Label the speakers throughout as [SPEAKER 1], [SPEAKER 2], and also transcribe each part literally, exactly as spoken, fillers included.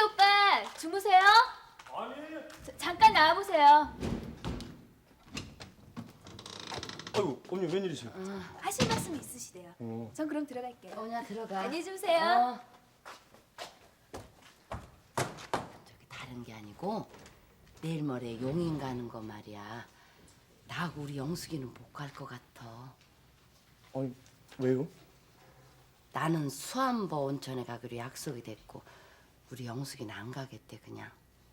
[SPEAKER 1] 오빠 주무세요?
[SPEAKER 2] 아니.
[SPEAKER 1] 자, 잠깐 나와보세요.
[SPEAKER 2] 아이고 언니 웬일이세요?
[SPEAKER 1] 하실 말씀 있으시대요.
[SPEAKER 2] 어.
[SPEAKER 1] 전 그럼 들어갈게요.
[SPEAKER 3] 오냐 들어가.
[SPEAKER 1] 안녕히 주무세요.
[SPEAKER 3] 어. 저기 다른 게 아니고 내일 모레 용인 가는 거 말이야. 나하고 우리 영숙이는 못 갈 것 같아.
[SPEAKER 2] 아니 왜요?
[SPEAKER 3] 나는 수안보 온천에 가기로 약속이 됐고 우리 영숙이는 안 가겠대 그냥.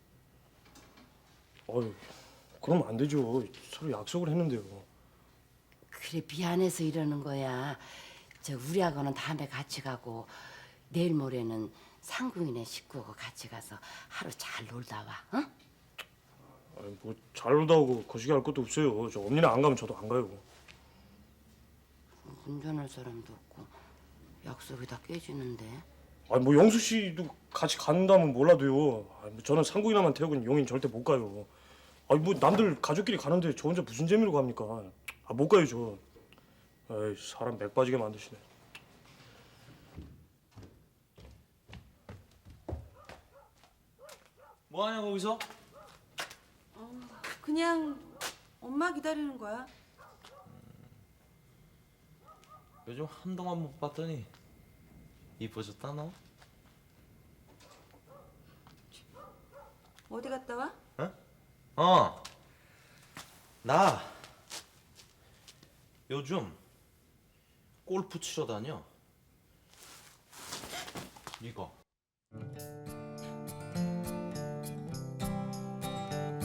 [SPEAKER 2] 아유 그러면 안 되죠. 서로 약속을 했는데요.
[SPEAKER 3] 그래 미안해서 이러는 거야. 저 우리하고는 다음에 같이 가고 내일 모레는 상궁이네 식구하고 같이 가서 하루 잘 놀다 와. 응?
[SPEAKER 2] 아니 뭐잘 놀다 오고 거시기 할 것도 없어요. 저 언니는 안 가면 저도 안 가요.
[SPEAKER 3] 운전할 사람도 없고 약속이 다 깨지는데.
[SPEAKER 2] 아니 뭐 영수 씨도 같이 간다면 몰라도요. 아니 뭐 저는 상궁이나만 태우고는 용인 절대 못 가요. 아니 뭐 남들 가족끼리 가는데 저 혼자 무슨 재미로 갑니까? 아 못 가요 저. 에이 사람 맥 빠지게 만드시네.
[SPEAKER 4] 뭐 하냐 거기서?
[SPEAKER 5] 그냥 엄마 기다리는 거야.
[SPEAKER 4] 요즘 한동안 못 봤더니 이뻐졌다 너?
[SPEAKER 5] 어디 갔다 와?
[SPEAKER 4] 어. 나 요즘 골프 치러 다녀. 이거.